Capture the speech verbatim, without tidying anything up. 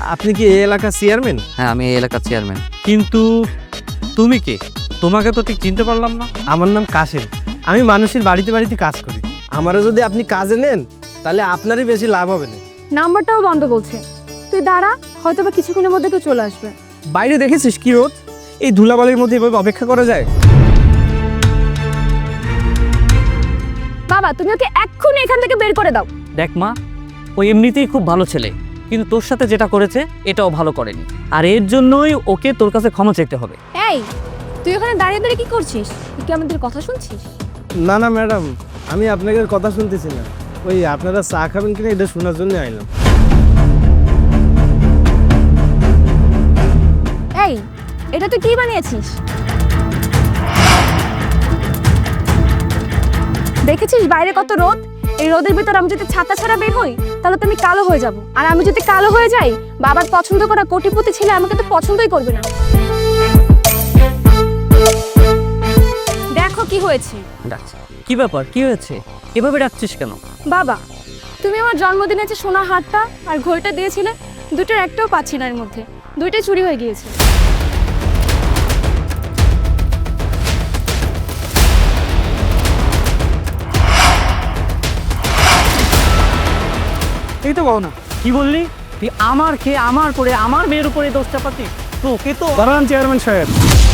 আপনি কি এই এলাকার চেয়ারম্যান? হ্যাঁ, আমি এই এলাকার চেয়ারম্যান। কিন্তু তুমি কে? তোমাকে তো ঠিক চিনতে পারলাম না। আমার নাম কাশেম, আমি মানুষের বাড়িতে বাড়িতে কাজ করি। আমারও যদি আপনি কাজে নেন তাহলে আপনারই বেশি লাভ হবে না। নাম্বারটাও বন্ধ বলছে। তুই দাঁড়া, হয়তো বা কিছুক্ষণের মধ্যে কেউ চলে আসবে। বাইরে দেখেছিস কি রোদ? এই ধুলাবালির মধ্যে এভাবে অপেক্ষা করা যায়? বাবা, তুমি ওকে এক্ষুনি এখান থেকে বের করে দাও। দেখ মা, ও এমনিতেই খুব ভালো ছেলে, কিন্তু তোর সাথে যেটা করেছে এটাও ভালো করেনি, আর এর জন্যই ওকে তোর কাছে ক্ষমা চাইতে হবে। এই, তুই ওখানে দাঁড়িয়ে দাঁড়িয়ে কি করছিস? তুই কি আমাদের কথা শুনছিস? না না ম্যাডাম, আমি আপনাদের কথা শুনতেছি না। ওই আপনারা চা খাবেন কিনা এটা শোনার জন্য আইলাম। এই, এটা তুই কি বানিয়েছিস? দেখেছিস বাইরে কত রোদ? এই রোদের ভিতর আমি যদি ছাতা ছাড়া বের হই তাহলে তো আমি কালো হয়ে যাব, আর আমি যদি কালো হয়ে যাই বাবার পছন্দ করা কোটিপতি ছেলে আমাকে তো পছন্দই করবে না। দেখো কি হয়েছে। ডাকছে কি ব্যাপার, কি হয়েছে? এভাবে ডাকছিস কেন? বাবা, তুমি আমার জন্মদিনে যে সোনার হারটা আর ঘড়িটা দিয়েছিলে, দুটোর একটাও পাচ্ছি না, এর মধ্যে দুইটাই চুরি হয়ে গিয়েছে। এই তো বল না, কি বললি? তুই আমার খেয়ে আমার করে আমার মেয়ের উপরে দোষ চাপাচ্ছিস? তোকে তো দাঁড়ান চেয়ারম্যান সাহেব,